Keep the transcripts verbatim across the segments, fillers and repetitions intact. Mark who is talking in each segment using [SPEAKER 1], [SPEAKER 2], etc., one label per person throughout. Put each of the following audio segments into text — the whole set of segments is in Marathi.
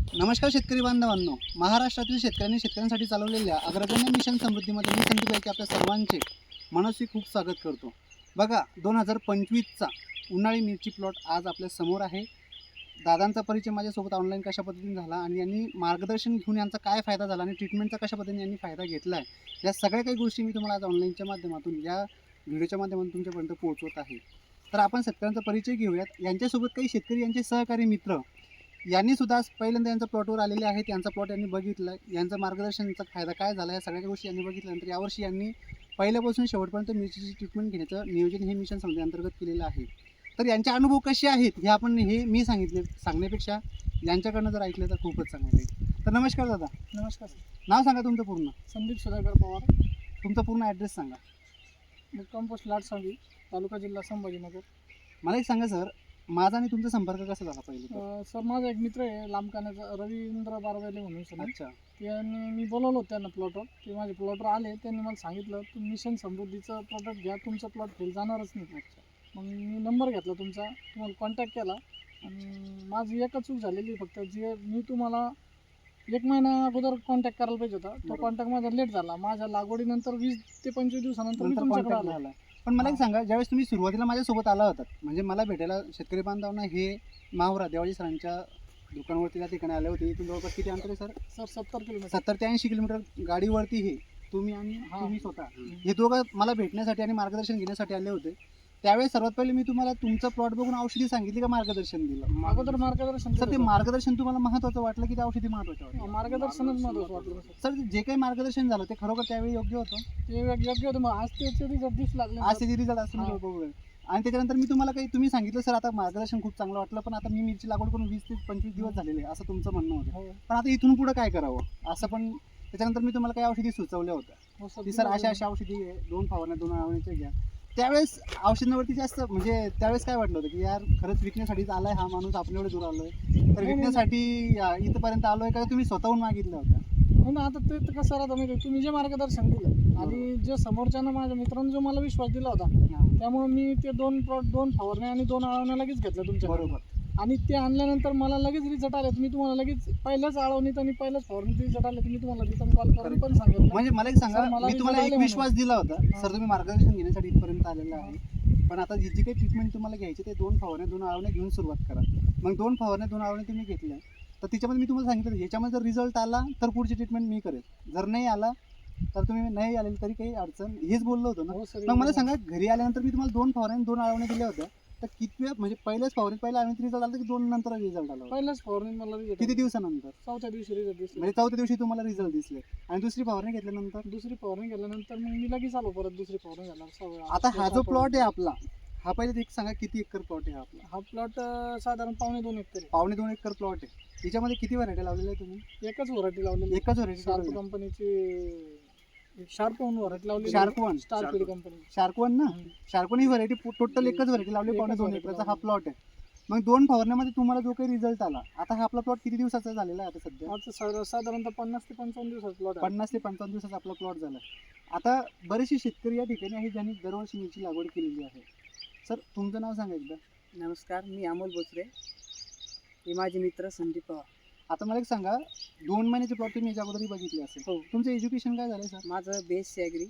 [SPEAKER 1] नमस्कार शेतकरी बांधवांनो, महाराष्ट्रातील शेतकऱ्यांनी शेतकऱ्यांसाठी चालवलेल्या अग्रगण्य मिशन समृद्धीमध्ये मी संदीप गायके आपल्या सर्वांचे मनस्वी खूप स्वागत करतो. बघा, दोन हजार पंचवीसचा उन्हाळी मिरची प्लॉट आज आपल्या समोर आहे. दादांचा परिचय माझ्यासोबत ऑनलाईन कशा पद्धतीने झाला आणि यांनी मार्गदर्शन घेऊन यांचा काय फायदा झाला आणि ट्रीटमेंटचा कशा पद्धतीने यांनी फायदा घेतला आहे, या सगळ्या काही गोष्टी मी तुम्हाला आज ऑनलाईनच्या माध्यमातून या व्हिडिओच्या माध्यमातून तुमच्यापर्यंत पोहोचवत आहे. तर आपण शेतकऱ्यांचा परिचय घेऊयात. यांच्यासोबत काही शेतकरी, यांचे सहकारी मित्र यांनी सुद्धा आज पहिल्यांदा यांचा प्लॉटवर आलेले आहेत. यांचा प्लॉट यांनी बघितला, यांचं मार्गदर्शनचा फायदा काय झाला, या सगळ्या गोष्टी यांनी बघितल्यानंतर यावर्षी यांनी पहिल्यापासून शेवटपर्यंत मिरचीची ट्रीटमेंट घेण्याचं नियोजन हे मिशन समृद्धी अंतर्गत केलेलं आहे. तर यांचे अनुभव कसे आहेत हे आपण हे मी सांगितले सांगण्यापेक्षा यांच्याकडनं जर ऐकलं तर खूपच चांगलं राहील. तर नमस्कार दादा.
[SPEAKER 2] नमस्कार.
[SPEAKER 1] नाव सांगा तुमचं पूर्ण.
[SPEAKER 2] संदीप सुधाकर पवार.
[SPEAKER 1] तुमचा पूर्ण ॲड्रेस सांगा.
[SPEAKER 2] मुक्काम पोस्ट लाटसांगी, तालुका जिल्हा संभाजीनगर.
[SPEAKER 1] मला एक सांगा सर, माझा आणि तुमचा संपर्क कसा झाला पहिले?
[SPEAKER 2] अं, सर माझा एक मित्र आहे लांबकाण्याचा, रवींद्र बारवेले म्हणून सर.
[SPEAKER 1] अच्छा.
[SPEAKER 2] त्यांनी मी बोलवलं होतं त्यांना प्लॉटवर. ते माझे प्लॉटवर आले, त्यांनी मला सांगितलं तुम्ही मिशन समृद्धीचं प्रॉडक्ट घ्या, तुमचा प्लॉट फेल जाणारच नाही. अच्छा. मग मी नंबर घेतला तुमचा, तुम्हाला कॉन्टॅक्ट केला आणि माझी एकच चूक झालेली फक्त, जे मी तुम्हाला एक महिना अगोदर कॉन्टॅक्ट करायला पाहिजे होता. तो कॉन्टॅक्ट माझा लेट झाला. माझ्या लागवडीनंतर वीस ते पंचवीस दिवसानंतर मी तुमच्याकडे आलो.
[SPEAKER 1] झाला. पण मला एक सांगा, ज्यावेळेस तुम्ही सुरुवातीला माझ्यासोबत आला होता, म्हणजे मला भेटायला शेतकरी बांधवांना हे माहुरा देवाजी सरांच्या दुकानावरती त्या ठिकाणी आले होते. इथून जवळपास किती अंतर आहे सर?
[SPEAKER 2] सर सत्तर किलोमीटर
[SPEAKER 1] सत्तर ते ऐंशी किलोमीटर गाडीवरती हे तुम्ही आणि तुम्ही स्वतः हे दोघं मला भेटण्यासाठी आणि मार्गदर्शन घेण्यासाठी आले होते. त्यावेळेस सर्वात पहिले मी तुम्हाला तुमचा प्लॉट बघून औषधी सांगितली का मार्गदर्शन दिलं?
[SPEAKER 2] अगोदर मार्गदर्शन.
[SPEAKER 1] सर, ते मार्गदर्शन तुम्हाला महत्त्वाचं वाटलं की ते औषधी महत्त्वाचं वाटलं?
[SPEAKER 2] मार्गदर्शनच महत्त्वाचं वाटलं
[SPEAKER 1] सर. जे काही मार्गदर्शन झालं ते खरोखर त्यावेळी योग्य होतं?
[SPEAKER 2] ते योग्य होतं. मग आज त्याचे रिझल्ट दिसू लागले.
[SPEAKER 1] आज ते रिझल्ट असं मी बघूया. आणि त्याच्यानंतर मी तुम्हाला काही तुम्ही सांगितलं सर आता मार्गदर्शन खूप चांगलं वाटलं, पण आता मी मिरची लागवड करून वीस ते पंचवीस दिवस झालेले आहे असं तुमचं म्हणणं होतं. पण आता इथून पुढे काय करावं असं, पण त्याच्यानंतर मी तुम्हाला काही औषधी सुचवल्या होत्या की सर अशा अशा औषधी आहे, दोन फवारण्या दोन आवडण्याच्या घ्या. त्यावेळेस औषधांवरती जास्त म्हणजे त्यावेळेस काय वाटलं होतं की यार खरंच विकण्यासाठीच आलाय हा माणूस, आपण एवढे दूर आलोय तर विकण्यासाठी इथपर्यंत आलोय का तुम्ही स्वतःहून मागितलं होतं?
[SPEAKER 2] हो ना. आता ते कसं राहतं माहिती, तुम्ही जे मार्गदर्शन दिलं आणि जे समोरच्यानं माझ्या मित्रांनी जो मला विश्वास दिला होता, त्यामुळे मी ते दोन प्लॉट दोन फवारण्या आणि दोन आळवण्या लगेच घेतल्या तुमच्या
[SPEAKER 1] बरोबर.
[SPEAKER 2] आणि ते आणल्यानंतर मला लगेच रिझल्ट आले. मी तुम्हाला लगेच पहिल्याच आळवणीत आणि पहिल्याच फवारणीत रिझल्ट आले. तुम्ही तुम्हाला रिटर्न कॉल करून पण सांगितलं.
[SPEAKER 1] म्हणजे मला एक सांगा, मी तुम्हाला एक विश्वास दिला होता सर, तुम्ही मार्गदर्शन घेण्यासाठी इथपर्यंत आलेला आहे, पण आता जी जी काही ट्रीटमेंट तुम्हाला घ्यायची ते दोन फवारण्या दोन आळवण्या घेऊन सुरुवात करा. मग दोन फवारण्या दोन आळवण्या तुम्ही घेतल्या तर त्याच्यामध्ये मी तुम्हाला सांगितलं याच्यामध्ये जर रिझल्ट आला तर पुढची ट्रीटमेंट मी करेल, जर नाही आला तर तुम्ही नाही आले तरी काही अडचण, हेच बोललो होतो ना. मग मला सांगा, घरी आल्यानंतर मी तुम्हाला दोन फवारण्या दोन आळवण्या दिल्या होत्या, तर किती वेळ म्हणजे पहिल्याच फवारणीत पहिला आळवणीत रिझल्ट आला की दोन नंतर रिझल्ट आला?
[SPEAKER 2] पहिल्याच फवारणीत मला रिझल्ट.
[SPEAKER 1] किती दिवसानंतर?
[SPEAKER 2] चौथ्या दिवशी रिझल्ट दिसले.
[SPEAKER 1] म्हणजे चौथ्या दिवशी तुम्हाला रिझल्ट दिसले. आणि दुसरी फवारणी घेतल्यानंतर?
[SPEAKER 2] दुसरी फवारणी घेतल्यानंतर मग मी लगेच आलो परत दुसरी फवारणी घ्यायला.
[SPEAKER 1] आता हा जो प्लॉट आहे आपला, हा पहिले एक सांगा किती एकर प्लॉट आहे आपला?
[SPEAKER 2] हा प्लॉट साधारण पावणे दोन एकर आहे.
[SPEAKER 1] पावणे दोन एकर प्लॉट आहे. याच्यामध्ये किती व्हरायटी लावलेल्या आहे तुम्ही?
[SPEAKER 2] एकच व्हरायटी लावलेली.
[SPEAKER 1] एकच व्हरायटी.
[SPEAKER 2] शार्प कंपनीची शार्प वन व्हरायटी लावली.
[SPEAKER 1] Sharp one
[SPEAKER 2] star feed company.
[SPEAKER 1] Sharp one ना. शार्प वन ही व्हरायटी टोटल एकच व्हरायटी लावली. पावणे दोन एकरचा हा प्लॉट आहे. मग दोन फवारण्यामध्ये तुम्हाला जो काही रिझल्ट आला, आता हा आपला प्लॉट किती दिवसाचा झालेला आहे आता सध्या?
[SPEAKER 2] आता साधारणतः पन्नास ते पंचावन्न दिवसाचा प्लॉट.
[SPEAKER 1] पन्नास ते पंचावन्न दिवसाचा आपला प्लॉट झाला. आता बरेचसे शेतकरी या ठिकाणी आहेत ज्यांनी दरवर्षी मिरची लागवड केलेली आहे. सर, तुमचं नाव सांगा एकदा.
[SPEAKER 3] नमस्कार, मी अमोल बोचरे. हे माझे मित्र संदीप पवार.
[SPEAKER 1] आता मला एक सांगा, दोन महिन्याचे प्लॉट तुम्ही याच्या अगोदरही बघितले असेल.
[SPEAKER 3] हो.
[SPEAKER 1] तुमचं एज्युकेशन काय झालं सर?
[SPEAKER 3] माझं बेस ॲग्री.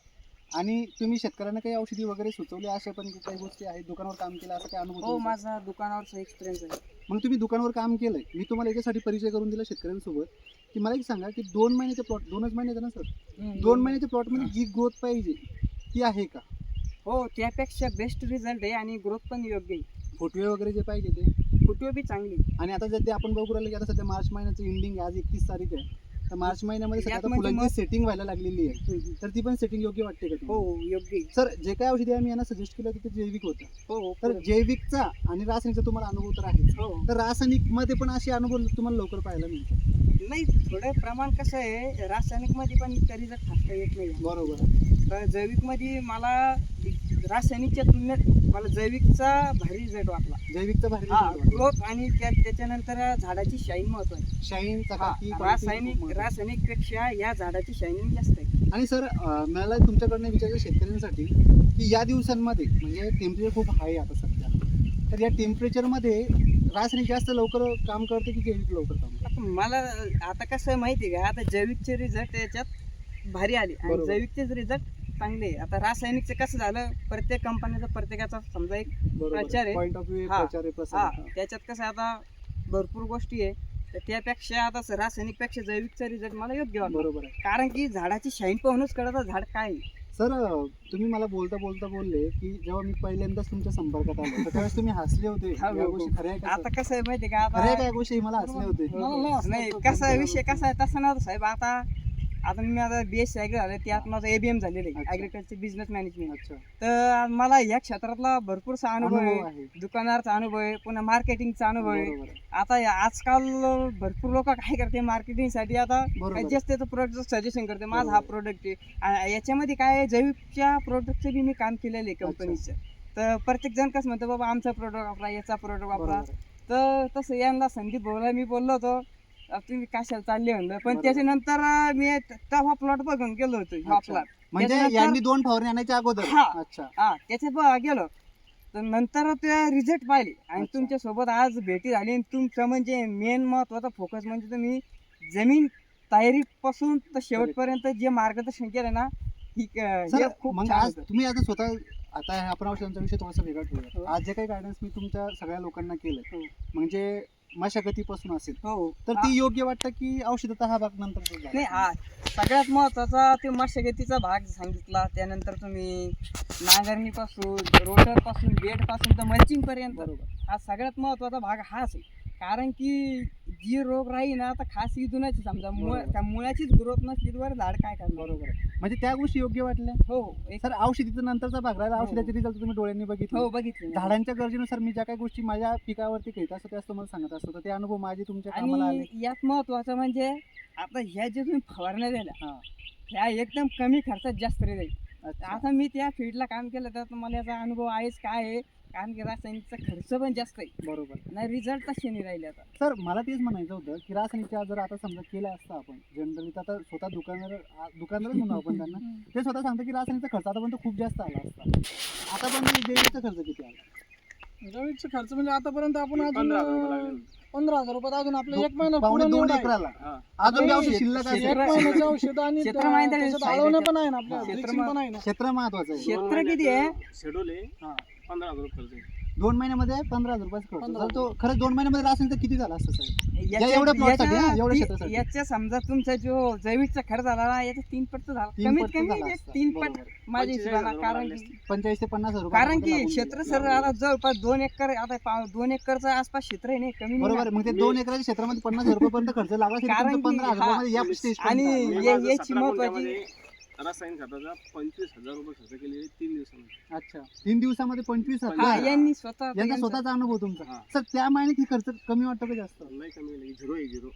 [SPEAKER 1] आणि तुम्ही शेतकऱ्यांना काही औषधी वगैरे सुचवली अशा पण काही गोष्टी आहेत, दुकानावर काम केलं असं काय अनुभव?
[SPEAKER 3] हो, माझा दुकानावरचा एक्सपिरियन्स आहे.
[SPEAKER 1] मग तुम्ही दुकानावर काम केलंय, मी तुम्हाला याच्यासाठी परिचय करून दिला शेतकऱ्यांसोबत की मला एक सांगा की दोन महिन्याच्या प्लॉट, दोनच महिन्याचा ना सर, दोन महिन्याच्या प्लॉटमध्ये जी ग्रोथ पाहिजे ती आहे का?
[SPEAKER 3] हो, त्यापेक्षा बेस्ट रिझल्ट आहे आणि ग्रोथ पण योग्य आहे.
[SPEAKER 1] फुटवे वगैरे जे पाहिजे ते
[SPEAKER 3] फुटवे बी चांगली.
[SPEAKER 1] आणि आता जर ते आपण बघू राहिलं की आता सध्या मार्च महिन्याचं एंडिंग आहे, आज एकतीस तारीख आहे, तर मार्च महिन्यामध्ये सध्या आता फुलांची सेटिंग व्हायला लागलेली आहे, तर ती पण सेटिंग योग्य वाटते का?
[SPEAKER 3] हो, योग्य.
[SPEAKER 1] सर, जे काही औषधी आम्ही यांना सजेस्ट केलं होतं ते जैविक होतं.
[SPEAKER 3] हो.
[SPEAKER 1] तर जैविकचा आणि रासायनिकचा तुम्हाला अनुभव तर आहे.
[SPEAKER 3] हो.
[SPEAKER 1] तर रासायनिक मध्ये पण असे अनुभव तुम्हाला लवकर पाहायला मिळतात?
[SPEAKER 3] नाही, थोडं प्रमाण कसं आहे, रासायनिकमध्ये पण इतका रिझल्ट थांबता येत नाही.
[SPEAKER 1] बरोबर.
[SPEAKER 3] तर जैविकमध्ये मला रासायनिकच्या तुलनेत मला जैविकचा भारी रिझल्ट वाटला.
[SPEAKER 1] जैविकचा भारी
[SPEAKER 3] ग्रोथ आणि त्या त्याच्यानंतर झाडाची शाईन महत्वाची.
[SPEAKER 1] शाईन
[SPEAKER 3] रासायनिक रासायनिक पेक्षा या झाडाची शायनिंग जास्त आहे.
[SPEAKER 1] आणि सर, मला तुमच्याकडनं विचारायचं शेतकऱ्यांसाठी की या दिवसांमध्ये म्हणजे टेम्परेचर खूप हाय आता सध्या, तर या टेम्परेचरमध्ये रासायनिक जास्त लवकर काम करते की जैविक लवकर काम करते?
[SPEAKER 3] आता मला आता कसं आहे माहिती आहे का, आता जैविकचे रिझल्ट याच्यात भारी आले आणि
[SPEAKER 1] बरोबर.
[SPEAKER 3] जैविकचेच रिझल्ट चांगले आहे. आता रासायनिकचं कसं झालं, प्रत्येक कंपनीचा प्रत्येकाचा समजा एक प्रचार आहे.
[SPEAKER 1] पॉईंट ऑफ व्ह्यू
[SPEAKER 3] हा,
[SPEAKER 1] प्रचार आहे, प्रसार
[SPEAKER 3] हा
[SPEAKER 1] आहे. हा.
[SPEAKER 3] त्याच्यात कसं आता भरपूर गोष्टी आहे, तर त्यापेक्षा आता रासायनिक पेक्षा जैविकचा रिझल्ट मला योग्य वाटतो.
[SPEAKER 1] बरोबर आहे.
[SPEAKER 3] कारण की झाडाची शाईन पाहूनच कळतं झाड काय आहे.
[SPEAKER 1] सर तुम्ही मला बोलता बोलता बोलले की जेव्हा मी पहिल्यांदाच तुमच्या संपर्कात आलो तर त्यावेळेस तुम्ही हसले होते.
[SPEAKER 3] हा,
[SPEAKER 1] या
[SPEAKER 3] हो,
[SPEAKER 1] गोष्टी
[SPEAKER 3] हो.
[SPEAKER 1] खऱ्या आहे का
[SPEAKER 3] आता
[SPEAKER 1] सर?
[SPEAKER 3] कसं आहे माहिती आहे का,
[SPEAKER 1] खऱ्या आहे का
[SPEAKER 3] आता
[SPEAKER 1] या गोष्टी मला हसले होते?
[SPEAKER 2] मला नाही असं
[SPEAKER 3] नाही
[SPEAKER 2] वाटतं.
[SPEAKER 3] कसा विषय कसा आहे तसं नव्हतं साहेब. आता आता मी आता बी एस सी ॲग्री झालं, त्यात माझं ए बी एम झालेलं आहे,
[SPEAKER 1] अच्छा.
[SPEAKER 3] Agriculture business management.
[SPEAKER 1] अच्छा,
[SPEAKER 3] तर मला या क्षेत्रातला भरपूरसा अनुभव आहे,
[SPEAKER 1] अनुभव आहे.
[SPEAKER 3] दुकानदारचा अनुभव आहे, पुन्हा मार्केटिंगचा अनुभव आहे.
[SPEAKER 1] बरोबर आहे.
[SPEAKER 3] आता या- आजकाल भरपूर लोक काय करते मार्केटिंगसाठी, आता
[SPEAKER 1] बरोबर आहे.
[SPEAKER 3] जास्त त्याचं प्रोडक्ट सजेशन करते, माझा हा
[SPEAKER 1] बरोबर.
[SPEAKER 3] प्रोडक्ट आहे. आ- याच्यामध्ये काय आहे, जैविकच्या प्रोडक्टचं बी मी काम केलेलं आहे कंपनीचं. तर प्रत्येक जण कसं म्हणतं बाबा आमचा प्रोडक्ट वापरा, याचा प्रोडक्ट वापरा.
[SPEAKER 1] बरोबर आहे.
[SPEAKER 3] तर तसं यांना संदीप भाऊला मी बोललो होतो, अ, तुम्ही कशाला चालले म्हणलं, पण
[SPEAKER 1] बरोबर.
[SPEAKER 3] त्याच्यानंतर अं, मी तेव्हा प्लॉट बघून गेलो होतो हा
[SPEAKER 1] अच्छा.
[SPEAKER 3] प्लॉट.
[SPEAKER 1] म्हणजे
[SPEAKER 3] त्याच्यानंतर-
[SPEAKER 1] यांनी दोन फवारणी आणायच्या अगोदर?
[SPEAKER 3] हा.
[SPEAKER 1] अच्छा,
[SPEAKER 3] हा त्याच्यात बघा गेलो, तर नंतर ते रिझल्ट पाहिले आणि
[SPEAKER 1] अच्छा.
[SPEAKER 3] तुमच्या सोबत आज भेटी झाली. आणि तुमचं म्हणजे मेन महत्वाचा फोकस म्हणजे तुम्ही जमीन तयारीपासून तर शेवटपर्यंत जे मार्गदर्शन केलं ना, ही क- हे
[SPEAKER 1] सर
[SPEAKER 3] खूप
[SPEAKER 1] मग
[SPEAKER 3] छान
[SPEAKER 1] आज
[SPEAKER 3] होतं.
[SPEAKER 1] तुम्ही आता स्वतः आता हे आपण औषधांचा विषय थोडासा वेगळा
[SPEAKER 3] हो.
[SPEAKER 1] ठेवूया. आज जे काही गायडन्स मी तुमच्या सगळ्या लोकांना केलंय
[SPEAKER 3] हो.
[SPEAKER 1] म्हणजे मशागतीपासून असेल
[SPEAKER 3] हो
[SPEAKER 1] तर ती योग्य वाटतं की औषधाचा हा भाग नंतर
[SPEAKER 3] नाही, हा सगळ्यात महत्वाचा ते मशागतीचा भाग सांगितला. त्यानंतर तुम्ही नांगरणीपासून रोटरपासून बेडपासून तर मल्चिंग पर्यंत
[SPEAKER 1] बरोबर
[SPEAKER 3] हा सगळ्यात महत्वाचा भाग हाच आहे. कारण की जी रोग राहील ना, आता खास इथूनच समजा मुळ
[SPEAKER 1] बरोबर.
[SPEAKER 3] त्या मुळाचीच ग्रोथ नसली तर झाड काय करणार.
[SPEAKER 1] बरोबर आहे. म्हणजे त्या गोष्टी योग्य वाटल्या.
[SPEAKER 3] हो एक
[SPEAKER 1] सर औषधीचा नंतरचा भाग राहिला,
[SPEAKER 3] हो.
[SPEAKER 1] औषधाचे रिझल्ट तुम्ही डोळ्यांनी बघितले.
[SPEAKER 3] हो बघितलं ना.
[SPEAKER 1] झाडांच्या गरजेनुसार मी ज्या काही गोष्टी माझ्या पिकावरती घेत असतो त्याच तुम्हाला सांगत असतो, तर ते अनुभव माझे तुमच्या कामाला आले.
[SPEAKER 3] आणि यात महत्वाचं म्हणजे आता ह्या जे तुम्ही फवारण्या दिल्या
[SPEAKER 1] हा.
[SPEAKER 3] ह्या एकदम कमी खर्चात जास्त रिझल्ट.
[SPEAKER 1] अच्छा.
[SPEAKER 3] आता मी त्या फील्डला काम केलं तर मला याचा अनुभव आहेच काय आहे, कारण की रासायनिकचा खर्च पण जास्त आहे
[SPEAKER 1] बरोबर.
[SPEAKER 3] नाही, रिझल्ट तसे नाही राहिले. आता
[SPEAKER 1] सर मला तेच म्हणायचं होतं की रासायनिकच्या जर आता समजा केलं असतं आपण जनरली, तर आता स्वतः दुकानदार दुकानदारच म्हणू आपण त्यांना, ते स्वतः सांगतं की रासायनिकचा खर्च आतापर्यंत खूप जास्त आला असता. आता पण जैविकचा खर्च किती आला?
[SPEAKER 2] जैविकचा खर्च म्हणजे आतापर्यंत आपण अजून
[SPEAKER 4] पंधरा हजार रुपये लागले.
[SPEAKER 2] पंधरा हजार रुपयात अजून आपलं
[SPEAKER 1] दो-
[SPEAKER 2] एक महिना
[SPEAKER 1] पावणे
[SPEAKER 2] पूर्ण
[SPEAKER 1] दोन
[SPEAKER 2] निवड आहे.
[SPEAKER 1] एकराला
[SPEAKER 4] हा.
[SPEAKER 1] अजून
[SPEAKER 3] नाही,
[SPEAKER 1] औषध
[SPEAKER 3] शेत-
[SPEAKER 1] शिल्लक असेल.
[SPEAKER 3] शेत-
[SPEAKER 2] एक महिन्याचं औषध आणि
[SPEAKER 3] क्षेत्र
[SPEAKER 2] त्या-
[SPEAKER 3] माहिती आहे,
[SPEAKER 2] त्याच्यात
[SPEAKER 3] फायद्याचं.
[SPEAKER 2] आळवणं पण आहे ना आपल्या
[SPEAKER 3] हा.
[SPEAKER 2] ड्रिचिंग पण आहे ना.
[SPEAKER 1] क्षेत्र महत्वाचं आहे.
[SPEAKER 3] क्षेत्र किती आहे?
[SPEAKER 4] शेड्यूल आहे
[SPEAKER 1] हा.
[SPEAKER 4] पंधरा हजार रुपये खर्च आहे.
[SPEAKER 1] दोन महिन्यामध्ये पंधरा हजार रुपयाचा खर्च.
[SPEAKER 2] पंधरा
[SPEAKER 1] तर तो खरंच दोन महिन्यामध्ये रासायनिकचा किती झाला असतं साहेब?
[SPEAKER 3] याच्या-
[SPEAKER 1] एवढ्या plot साठी,
[SPEAKER 3] याच्या-
[SPEAKER 1] हा, एवढ्या
[SPEAKER 3] ती-
[SPEAKER 1] शेतासाठी.
[SPEAKER 3] याच्या समजा तुमचा जो जैविकचा खर्च झाला ना, याचा तीन पट झाला,
[SPEAKER 1] तीन
[SPEAKER 3] कमीत
[SPEAKER 1] पट झाला
[SPEAKER 3] कमी एक
[SPEAKER 1] असता.
[SPEAKER 3] तीन पट
[SPEAKER 1] बरोबर.
[SPEAKER 3] माझ्या
[SPEAKER 4] पंचेचाळीस
[SPEAKER 3] हिशोबाने.
[SPEAKER 4] हजार
[SPEAKER 3] कारण
[SPEAKER 4] लागले
[SPEAKER 3] की
[SPEAKER 1] पंचेचाळीस ते पन्नास हजार रुपये
[SPEAKER 3] कारण की
[SPEAKER 1] लागून
[SPEAKER 3] क्षेत्र
[SPEAKER 1] गेले.
[SPEAKER 3] सर आता जवळपास दोन एकर, आता पा- दोन एकरचं आसपास क्षेत्र आहे नाही, कमी नाही
[SPEAKER 1] बरोबर
[SPEAKER 3] ना.
[SPEAKER 1] आहे. मग ते दोन एकराच्या क्षेत्रामध्ये पन्नास हजार रुपयापर्यंत खर्च लागला असेल,
[SPEAKER 3] कारण
[SPEAKER 1] तुमचं
[SPEAKER 3] की
[SPEAKER 1] पंधरा हजार
[SPEAKER 3] हा,
[SPEAKER 1] रुपयामध्ये या स्टेज
[SPEAKER 3] आणि
[SPEAKER 4] मी
[SPEAKER 3] ये-
[SPEAKER 4] माझं
[SPEAKER 3] याची
[SPEAKER 4] सतरा
[SPEAKER 3] महत्वाची-
[SPEAKER 4] गुंठ्यामध्ये रासायनिक खताचा पंचवीस हजार रुपये खर्च केलेले तीन दिवसामध्ये.
[SPEAKER 1] अच्छा, तीन दिवसामध्ये पंचवीस
[SPEAKER 3] हा,
[SPEAKER 1] हजार.
[SPEAKER 3] यांनी स्वतः
[SPEAKER 1] यांचा
[SPEAKER 3] यांचा-
[SPEAKER 1] स्वतःचा अनुभव तुमचा.
[SPEAKER 4] हा.
[SPEAKER 1] सर त्या महिन्यात ही खर्च कमी वाटतो का जास्त?
[SPEAKER 4] लय कमी गेले, झिरो आहे झिरो.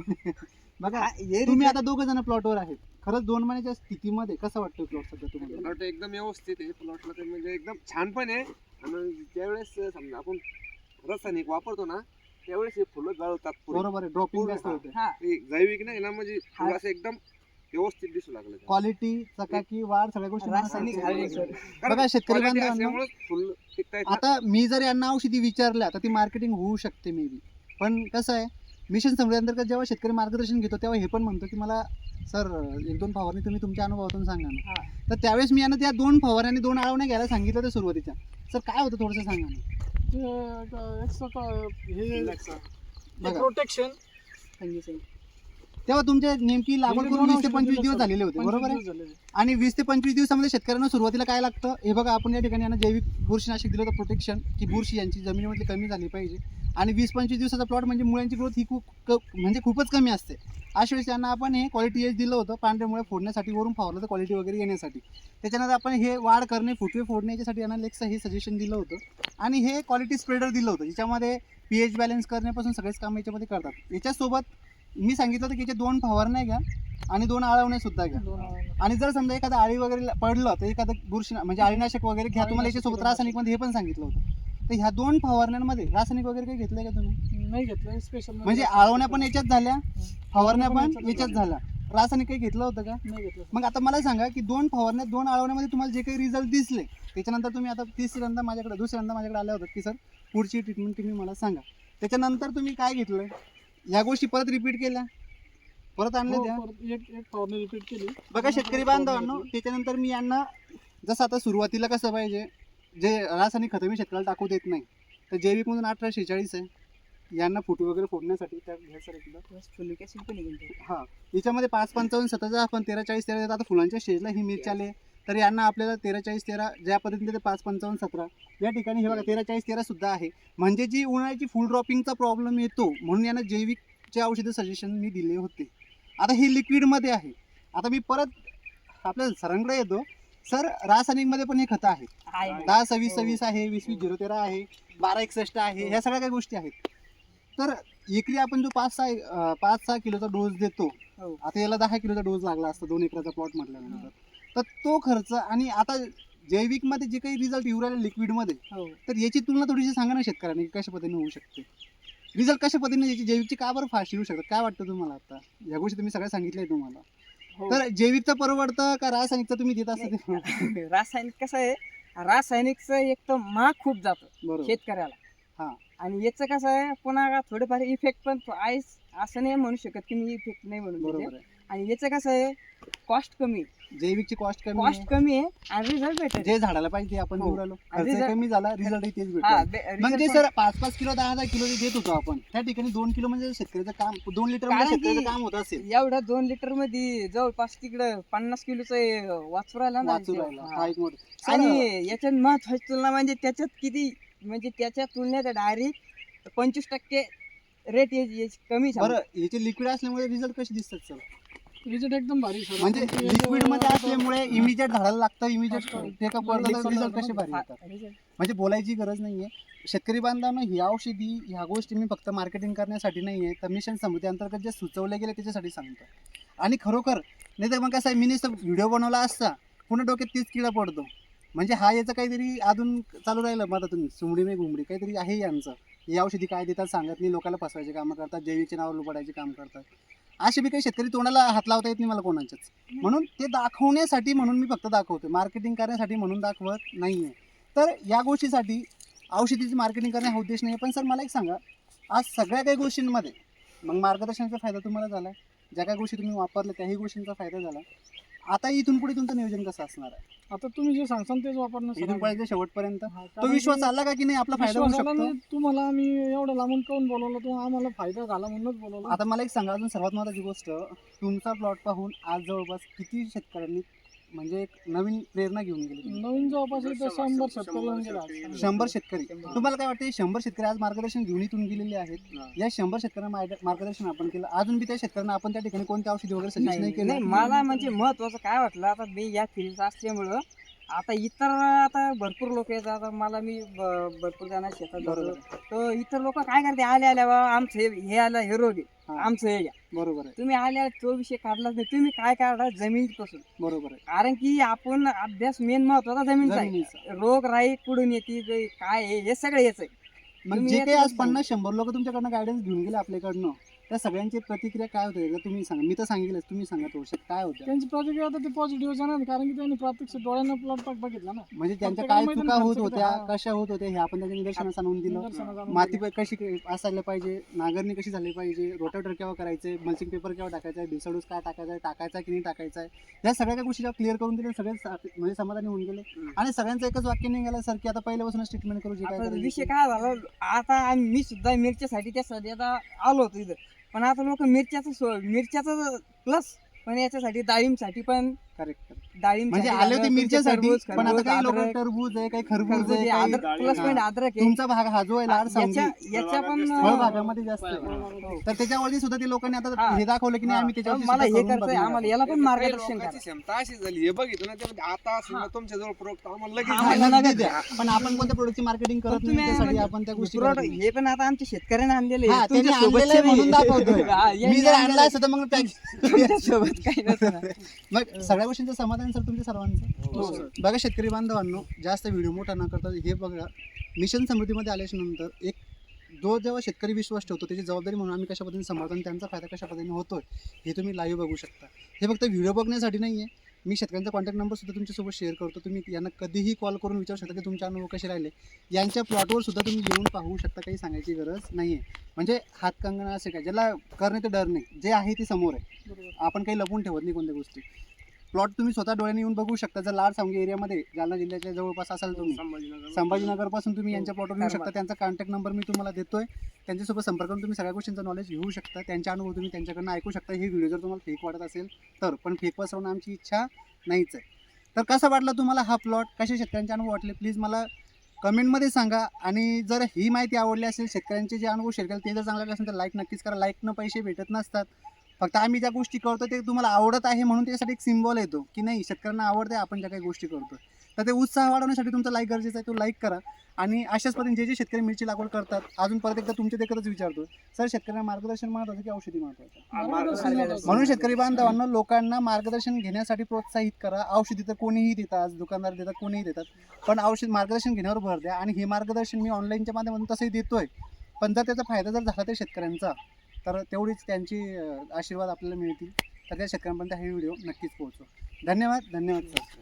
[SPEAKER 1] बघा
[SPEAKER 3] हा, हे
[SPEAKER 1] तुम्ही
[SPEAKER 3] result-
[SPEAKER 1] आता दोघं जण प्लॉटवर आहेत, खरंच दोन महिन्याच्या स्थितीमध्ये कसं वाटतं प्लॉट सध्या तुम्हाला?
[SPEAKER 5] प्लॉट एकदम व्यवस्थित आहे. प्लॉटला ते म्हणजे एकदम छान पण आहे. आणि ज्यावेळेस समजा आपण रासायनिक वापरतो ना, त्यावेळेस हे फुलं गळतात पुढे.
[SPEAKER 1] बरोबर आहे, ड्रॉपिंग
[SPEAKER 5] पूर्ण,
[SPEAKER 1] जास्त
[SPEAKER 5] हा.
[SPEAKER 1] होते.
[SPEAKER 3] हा,
[SPEAKER 5] हे जैविक नाही ना, म्हणजे
[SPEAKER 3] हा.
[SPEAKER 5] फुलं असं एकदम व्यवस्थित दिसू लागलं ते.
[SPEAKER 1] क्वालिटी, चकाकी, वाढ सगळ्या गोष्टी
[SPEAKER 3] रासायनिक
[SPEAKER 1] मला
[SPEAKER 3] झाले
[SPEAKER 1] सांगते.
[SPEAKER 3] सर.
[SPEAKER 5] कारण
[SPEAKER 1] बघा शेतकरी
[SPEAKER 5] quality
[SPEAKER 1] बांधवांनो,
[SPEAKER 5] असल्यामुळंच फुल टिकतायत ना.
[SPEAKER 1] आता मी जर यांना औषधी विचारल्या तर ती मार्केटिंग होऊ शकते मे बी, पण कसं आहे मिशन समृद्धी अंतर्गत जेव्हा शेतकरी मार्गदर्शन घेतो तेव्हा हे पण म्हणतो की मला सर एक दोन फवारणी तुम्ही तुमच्या अनुभवातून सांगा ना.
[SPEAKER 3] हा.
[SPEAKER 1] तर त्यावेळेस मी यांना त्या दोन फवारणी दोन आळवण्या घ्यायला सांगितलं होतं सुरुवातीच्या. सर काय होतं थोडंसं सांगा ना.
[SPEAKER 2] ते एक- एक सका- हे
[SPEAKER 1] बघा
[SPEAKER 2] प्रोटेक्शन
[SPEAKER 3] फंगिसाईड.
[SPEAKER 1] तेव्हा तुमचे नेमकी लागवड करून वीस ते पंचवीस दिवस झालेले होते, बरोबर आहे? आणि वीस ते पंचवीस दिवसामध्ये शेतकऱ्यांना सुरुवातीला काय लागतं हे बघा. आपण या ठिकाणी यांना जैविक बुरशीनाशक दिलं होतं प्रोटेक्शन, की बुरशी यांची जमिनीमध्ये कमी झाली पाहिजे. आणि वीस पंचवीस दिवसाचा प्लॉट म्हणजे मुळ्यांची ग्रोथ ही खूप क म्हणजे खूपच कमी असते. अशा वेळेस त्यांना आपण हे क्वालिटी एज दिलं होतं पांढरे मुळे फोडण्यासाठी, वरून फावलं तर क्वालिटी वगैरे येण्यासाठी. त्याच्यानंतर आपण हे वाढ करणे, फुटवे फोडणे याच्यासाठी यांना लेक्सा हे सजेशन दिलं होतं. आणि हे क्वालिटी स्प्रेडर दिलं होतं ज्याच्यामध्ये पी एच बॅलन्स करण्यापासून सगळेच काम याच्यामध्ये करतात. याच्यासोबत मी सांगितलं होतं की याच्या दोन फवारण्या घ्या आणि दोन आळवण्या सुद्धा घ्या. आणि जर समजा एखादा आळी वगैरे पडलं तर एखादं बुरशी म्हणजे आळीनाशक वगैरे घ्या. तुम्हाला याच्यासोबत रासायनिकमध्ये हे पण सांगितलं होतं. तर ह्या दोन फवारण्यांमध्ये रासायनिक वगैरे काही घेतलंय का तुम्ही?
[SPEAKER 2] नाही घेतलं स्पेशल
[SPEAKER 1] म्हणजे आळवण्या पण याच्यात झाल्या, फवारण्या पण याच्यात झाल्या, रासायनिक काही घेतलं होतं का?
[SPEAKER 2] नाही घेतलं.
[SPEAKER 1] मग आता मला सांगा की दोन फवारण्या दोन आळवण्यामध्ये तुम्हाला जे काही रिझल्ट दिसले त्याच्यानंतर तुम्ही आता तिसऱ्यांदा माझ्याकडे दुसऱ्यांदा माझ्याकडे आल्या होतात की सर पुढची ट्रीटमेंट तुम्ही मला सांगा. त्याच्यानंतर तुम्ही काय घेतलं, ह्या गोष्टी परत रिपीट केल्या, परत आणल्या
[SPEAKER 2] हो,
[SPEAKER 1] त्या.
[SPEAKER 2] परत एक एक फवारणी रिपीट केली.
[SPEAKER 1] बघा शेतकरी बांधवांनो, त्याच्यानंतर मी यांना जसं आता सुरुवातीला कसं पाहिजे, जे रासायनिक खतं मी शेतकऱ्याला टाकू देत नाही, तर जैविक म्हणून अठरा शेहेचाळीस आहे यांना फुटू वगैरे फोडण्यासाठी. त्या घ्या सर एकदा.
[SPEAKER 3] फुलिक ऍसिड पण आहे.
[SPEAKER 1] हा, याच्यामध्ये पाच पंचावन्न सतराचा आपण तेरा चाळीस तेरा देतात. आता फुलांच्या स्टेजला ही मिरची आले तर यांना आपल्याला तेरा चाळीस तेरा ज्या पद्धतीने ते पाच पंचावन्न सतरा या ठिकाणी हे बघा तेरा चाळीस तेरा सुद्धा आहे. म्हणजे जी उन्हाळ्याची फुल ड्रॉपिंगचा प्रॉब्लेम येतो म्हणून यांना जैविकचे औषधं सजेशन मी दिले होते. आता हे लिक्विडमध्ये आहे. आता मी परत आपल्या सरांकडे येतो. सर, रासायनिकमध्ये पण हे खतं आहेत. दहा सव्वीस सव्वीस आहे, वीस वीस झिरो तेरा आहे, बारा एकसष्ट आहे, ह्या सगळ्या काही गोष्टी आहेत. तर एकरी आपण जो पाच सहा अं, पाच सहा किलोचा डोस देतो,
[SPEAKER 3] हो.
[SPEAKER 1] आता याला दहा किलोचा डोस लागला असता दोन एकराचा प्लॉट म्हटल्यानंतर, तर तो खर्च आणि आता जैविकमध्ये जे काही रिझल्ट येऊ राहिले लिक्विडमध्ये,
[SPEAKER 3] हो.
[SPEAKER 1] तर याची तुलना थोडीशी सांगा ना शेतकऱ्यांनी की कशा पद्धतीने होऊ शकते, रिझल्ट कशा पद्धतीने याची जैविकची का बरं फास्ट येऊ शकतात, काय वाटतं तुम्हाला? आता या गोष्टी तुम्ही सगळ्या सांगितल्या तुम्हाला,
[SPEAKER 2] हो.
[SPEAKER 1] तर जैविकचं परवडतं का रासायनिकचं तुम्ही देत असता ते?
[SPEAKER 3] रासायनिक कसं आहे, रासायनिकचं एक तर महाग खूप जातं
[SPEAKER 1] बरोबर.
[SPEAKER 3] शेतकऱ्याला.
[SPEAKER 1] हा.
[SPEAKER 3] आणि याचं कसं आहे, पुन्हा थोडेफार इफेक्ट पण आहे, असं नाही म्हणू शकत की मी इफेक्ट नाही म्हणून देते.
[SPEAKER 1] बरोबर आहे.
[SPEAKER 3] आणि याचं कसं आहे, कॉस्ट कमी
[SPEAKER 1] जैविकची कॉस्ट कमी
[SPEAKER 3] कॉस्ट
[SPEAKER 1] आहे.
[SPEAKER 3] कमी आहे आणि रिझल्ट भेटेल.
[SPEAKER 1] जे झाडाला पाहिजे ते आपण
[SPEAKER 3] हो.
[SPEAKER 1] देऊ राहिलो,
[SPEAKER 3] आणि
[SPEAKER 1] खर्च
[SPEAKER 3] result-
[SPEAKER 1] कमी झाला, रिझल्ट तेच
[SPEAKER 3] हा,
[SPEAKER 1] भेटतो.
[SPEAKER 3] बे-
[SPEAKER 1] म्हणजे
[SPEAKER 3] result
[SPEAKER 1] सर पाच पाच किलो दहा दहा किलो जे देत होतो आपण, त्या ठिकाणी दोन किलो म्हणजे शेतकऱ्याचं काम, दोन लिटर मध्ये
[SPEAKER 3] कारण की-
[SPEAKER 1] शेतकऱ्याचं काम होत असेल.
[SPEAKER 3] पण एवढ्या दोन लिटर मध्ये जवळपास तिकडं पन्नास किलोचं वाचू राहिला ना.
[SPEAKER 1] वाचू राहिला.
[SPEAKER 3] हा.
[SPEAKER 1] हा एक मोठा. सर,
[SPEAKER 3] आणि याच्यात महत्वाची तुलना म्हणजे त्याच्यात किती, म्हणजे त्याच्या तुलनेत डायरेक्ट पंचवीस टक्के रेट कमी झाला.
[SPEAKER 1] बरं, याचे लिक्विड असल्यामुळे रिझल्ट कसे दिसतात सर?
[SPEAKER 2] रिझल्ट एकदम भारी सर.
[SPEAKER 1] म्हणजे
[SPEAKER 2] आपण ते
[SPEAKER 1] लिक्विड मध्ये
[SPEAKER 2] आता-
[SPEAKER 1] असल्यामुळे इमिजिएट झाडाला लागतं, इमिजिएट
[SPEAKER 2] असतं.
[SPEAKER 1] टेकअप
[SPEAKER 2] म्हणजे
[SPEAKER 1] करतात, रिझल्ट
[SPEAKER 2] समजा
[SPEAKER 1] कसे भारी
[SPEAKER 2] हा,
[SPEAKER 1] येतात.
[SPEAKER 2] result.
[SPEAKER 1] म्हणजे बोलायची गरज नाहीये. शेतकरी बांधवांना ही औषधी ह्या गोष्टी मी फक्त मार्केटिंग करण्यासाठी नाहीये, तर मिशन समृद्धी अंतर्गत जे सुचवले गेले त्याच्यासाठी सांगतो. आणि खरोखर नाही तर मग कसं आहे, मी व्हिडिओ बनवला असता पुन्हा डोक्यात तीच किडा पडतो. म्हणजे हा याचं काहीतरी अजून चालू राहिलं मग तुम्ही सुमडी मे घुमडी काहीतरी आहे यांचं. ही औषधी काय देतात सांगत नाही, लोकांना फसवायचे कामं करतात, जैविकचे नाव लुबाडायचे काम करतात. असे बी काही शेतकरी तोंडाला हात लावता येत नाही मला कोणाच्याच. म्हणून ते दाखवण्यासाठी म्हणून मी फक्त दाखवतो, मार्केटिंग करण्यासाठी म्हणून दाखवत नाहीये. तर या गोष्टीसाठी औषधीची मार्केटिंग करणे हा उद्देश नाही. पण सर मला एक सांगा, आज सगळ्या काही गोष्टींमध्ये मग मार्गदर्शनाचा फायदा तुम्हाला झाला, ज्या काही गोष्टी तुम्ही वापरल्या त्याही गोष्टींचा फायदा झाला. आता इथून पुढे तुमचं नियोजन कसं असणार आहे?
[SPEAKER 2] आता तुम्ही जे सांगसान तेच वापरणं सर.
[SPEAKER 1] इथून पुढे शेवटपर्यंत
[SPEAKER 2] हा,
[SPEAKER 1] तो
[SPEAKER 2] कारण
[SPEAKER 1] विश्वास
[SPEAKER 2] की
[SPEAKER 1] आला का की नाही आपला फायदा होऊ
[SPEAKER 2] विश्वास आला
[SPEAKER 1] शकतो?
[SPEAKER 2] नाही, तुम्हाला आम्ही एवढं लांबून काऊन बोलवलं, तो आम्हाला फायदा झाला म्हणूनच बोलवलं.
[SPEAKER 1] आता मला एक सांगा, अजून सर्वात महत्त्वाची गोष्ट, तुमचा प्लॉट पाहून आज जवळपास किती शेतकऱ्यांनी म्हणजे एक नवीन प्रेरणा घेऊन गेली तुम्ही?
[SPEAKER 2] नवीन जवळपास इथं शंभर शेतकरी येऊन गेला.
[SPEAKER 1] शंभर शेतकरी. तुम्हाला काय वाटतं, शंभर शेतकरी आज मार्गदर्शन घेऊन इथून गेलेले आहेत? या शंभर शेतकऱ्यांना मार्ग- मार्गदर्शन आपण केलं, अजून बी त्या शेतकऱ्यांना आपण त्या ठिकाणी कोणत्या औषधी वगैरे सजेस्ट नाही
[SPEAKER 3] नाही
[SPEAKER 1] केलं?
[SPEAKER 3] नाही, मला म्हणजे महत्वाचं काय वाटलं, आता मी या फील्डचा असल्यामुळं आता इतर आता भरपूर लोक येतात. आता मला मी ब- भरपूर जण शेतात
[SPEAKER 1] बरोबर
[SPEAKER 3] जातो, तर इतर लोक काय करते, आले आल्या बा आमचं हे हे आलं हे रोग आहे,
[SPEAKER 1] हा.
[SPEAKER 3] आमचं हे घ्या.
[SPEAKER 1] बरोबर आहे,
[SPEAKER 3] तुम्ही आल्या तो विषय काढलाच नाही. तुम्ही काय काढला जमिनीपासून,
[SPEAKER 1] बरोबर आहे.
[SPEAKER 3] कारण की आपण अभ्यास मेन महत्वाचा जमिनीचा आहे.
[SPEAKER 1] जमिनीचा.
[SPEAKER 3] रोग राई कुठून येते जे काय आहे हे सगळं याच आहे.
[SPEAKER 1] मग
[SPEAKER 3] तुम्ही
[SPEAKER 1] जे काही आज
[SPEAKER 3] यातच
[SPEAKER 1] पन्नास शंभर लोक तुमच्याकडनं गायडन्स घेऊन गेले आपल्याकडनं, त्या सगळ्यांची प्रतिक्रिया काय होते एकदा तुम्ही सांगा. मी तर सांगितलं, तुम्ही सांगा थोडक्यात काय होतं.
[SPEAKER 2] त्यांची प्रतिक्रिया आता ते पॉझिटिव्ह जाणार, कारण की त्यांनी प्रत्यक्ष डोळ्यानं प्लॉट बघितला ना.
[SPEAKER 1] म्हणजे त्यांच्या
[SPEAKER 2] प्रत्येकाला
[SPEAKER 1] काय
[SPEAKER 2] माहिती
[SPEAKER 1] चुका
[SPEAKER 2] ना
[SPEAKER 1] होत
[SPEAKER 2] खर्च
[SPEAKER 1] होत्या,
[SPEAKER 2] किती, हा.
[SPEAKER 1] कशा होत होत्या, हे आपण त्याच्या निदर्शनास आणून दिलं.
[SPEAKER 2] निदर्शनास आणून
[SPEAKER 1] माती
[SPEAKER 2] दिलं.
[SPEAKER 1] प- कशी असायला पाहिजे, नांगरणी कशी झाली पाहिजे, रोटावेटर केव्हा करायचे, मल्चिंग पेपर केव्हा टाकायचा आहे, बेसडूस काय टाकायचा आहे, टाकायचा की नाही टाकायचा आहे, या सगळ्या काही गोष्टी क्लिअर करून दिल्या. सगळे सा- म्हणजे समाधानी होऊन गेले. आणि सगळ्यांचं एकच वाक्य निघालं सर की आता पहिल्यापासूनच ट्रीटमेंट करू, जे काय
[SPEAKER 3] आता
[SPEAKER 1] करायचं
[SPEAKER 3] विषय
[SPEAKER 1] ते.
[SPEAKER 3] काय झाला, आता आम्ही- मी सुद्धा मिरच्यासाठी त्यासाठी आता आलो होतो इथं, पण आता लोक मिरच्याचं सो- मिरच्याचं प्लस पण याच्यासाठी डाळिंबसाठी पण
[SPEAKER 1] करेक्ट करेक्ट.
[SPEAKER 3] डाळिंब
[SPEAKER 1] म्हणजे आले होते मिरच्यासाठी, पण आता काही लोक टरबूज आहे, काही खरबूज आहे, काही
[SPEAKER 3] प्लस पॉईंट अद्रक आहे.
[SPEAKER 1] तुमचा भाग हा जो आहे लाड सांगली
[SPEAKER 3] याच्या याच्या पण
[SPEAKER 1] फळबागामध्ये जास्त आहे.
[SPEAKER 3] हो.
[SPEAKER 1] तर त्याच्यावरती सुद्धा ते लोकांनी आता
[SPEAKER 3] हा.
[SPEAKER 1] हे दाखवलं की नाही आम्ही
[SPEAKER 3] तर
[SPEAKER 1] त्याच्यावरती
[SPEAKER 3] मला
[SPEAKER 1] सुद्धा
[SPEAKER 3] हे
[SPEAKER 1] करून
[SPEAKER 3] करतंय,
[SPEAKER 1] बघणार
[SPEAKER 3] आम्हाला
[SPEAKER 1] आहोत.
[SPEAKER 3] याला पण
[SPEAKER 5] काही
[SPEAKER 3] मार्गदर्शन
[SPEAKER 5] लोकांची
[SPEAKER 3] करा.
[SPEAKER 5] क्षमता अशी झाली, हे बघितलं ना, ते आता असेल ना तुमच्या जवळ प्रोडक्ट आम्हाला लगेच
[SPEAKER 3] आम्हाला
[SPEAKER 1] हा,
[SPEAKER 3] नका
[SPEAKER 1] नगदी द्या. पण आपण कोणत्या प्रोडक्टची मार्केटिंग करत
[SPEAKER 3] तुम्ही
[SPEAKER 1] नाही, त्यासाठी
[SPEAKER 3] म्हणजे
[SPEAKER 1] आपण त्या गोष्टी
[SPEAKER 3] product
[SPEAKER 1] करत नाही.
[SPEAKER 3] हे पण आता आमच्या शेतकऱ्याने आणलेले
[SPEAKER 1] हा, त्यांनी आणलेलं आहे म्हणून दाखवतोय. मी जर आणला असतं तर मग त्या-
[SPEAKER 3] सोबत काही नसतं ना.
[SPEAKER 1] मग सगळ्या गोष्टींचं समाधान सर तुमच्या सर्वांचं.
[SPEAKER 2] हो, सर.
[SPEAKER 1] बघा शेतकरी बांधवांनो, जास्त व्हिडिओ मोठा न करता हे बघा, मिशन समृद्धीमध्ये आल्याच्या नंतर एक जो जेव्हा शेतकरी विश्वास ठेवतो त्याची जबाबदारी म्हणून आम्ही कशा पद्धतीने सांभाळतो आणि त्यांचा फायदा कशा पद्धतीने होतोय हे तुम्ही लाईव्ह बघू शकता. हे फक्त व्हिडिओ बघण्यासाठी नाही आहे, मी शेतकऱ्यांचा कॉन्टॅक्ट नंबर सुद्धा तुमच्यासोबत शेअर करतो. तुम्ही यांना कधीही कॉल करून विचारू शकता की तुमचे अनुभव कसे राहिले. यांच्या प्लॉटवर सुद्धा तुम्ही येऊन पाहू शकता, काही सांगायची गरज नाही आहे. म्हणजे हातकंगणा असे काय, ज्याला करणे ते डर नाही, जे आहे ते समोर आहे.
[SPEAKER 2] बरोबर.
[SPEAKER 1] आपण काही लपून ठेवत नाही कोणत्या गोष्टी. प्लॉट तुम्ही स्वतः डोळ्याने येऊन बघू शकता. जर लाड सांगली एरियामध्ये जालना जिल्ह्याच्या जवळपास असाल तुम्ही,
[SPEAKER 4] संभाजीनगर
[SPEAKER 1] संभाजीनगरपासून तुम्ही यांच्या प्लॉटवर येऊ शकता. त्यांचा कॉन्टॅक्ट नंबर मी तुम्हाला देतोय. त्यांच्यासोबत संपर्क करून तुम्ही सगळ्या गोष्टींचा नॉलेज घेऊ शकता. त्यांचे अनुभव तुम्ही त्यांच्याकडनं ऐकू शकता. हे व्हिडिओ जर तुम्हाला फेक वाटत असेल तर, पण फेक पसरवणं आमची इच्छा नाहीच आहे. तर कसा वाटला तुम्हाला हा प्लॉट, कसे शेतकऱ्यांचे अनुभव वाटले, प्लीज मला कमेंटमध्ये सांगा. आणि जर ही माहिती आवडली असेल, शेतकऱ्यांचे जे अनुभव शेअर केले ते जर चांगले असेल तर लाईक नक्कीच करा. लाईकनं पैसे भेटत नसतात. फक्त आम्ही ज्या गोष्टी करतो ते तुम्हाला आवडत आहे म्हणून त्याच्यासाठी एक सिम्बॉल येतो की नाही, शेतकऱ्यांना आवडते आपण ज्या काही गोष्टी करतो. तर ते उत्साह वाढवण्यासाठी तुमचा लाईक गरजेचा आहे. तो लाईक करा. आणि अशाच पद्धतीने जे जे शेतकरी मिरची लागवड करतात, अजून परत एकदा तुमच्या देखतच विचारतो, सर शेतकऱ्यांना मार्गदर्शन महत्त्वाचं की औषधी महत्त्वाचं?
[SPEAKER 2] मार्गदर्शन महत्त्वाचं.
[SPEAKER 1] म्हणून शेतकरी बांधवांना, लोकांना मार्गदर्शन घेण्यासाठी प्रोत्साहित करा. औषधी तर कोणीही देतात, दुकानदार देतात, कोणीही देतात, पण औषध मार्गदर्शन घेण्यावर भर द्या. आणि हे मार्गदर्शन मी ऑनलाईनच्या माध्यमातून तसंही देतोय, पण जर त्याचा फायदा जर झाला तर शेतकऱ्यांचा, तर तेवढीच त्यांची आशीर्वाद आपल्याला मिळतील. तर त्या शेतकऱ्यांपर्यंत हे व्हिडिओ नक्कीच पोहोचो. धन्यवाद. धन्यवाद सर.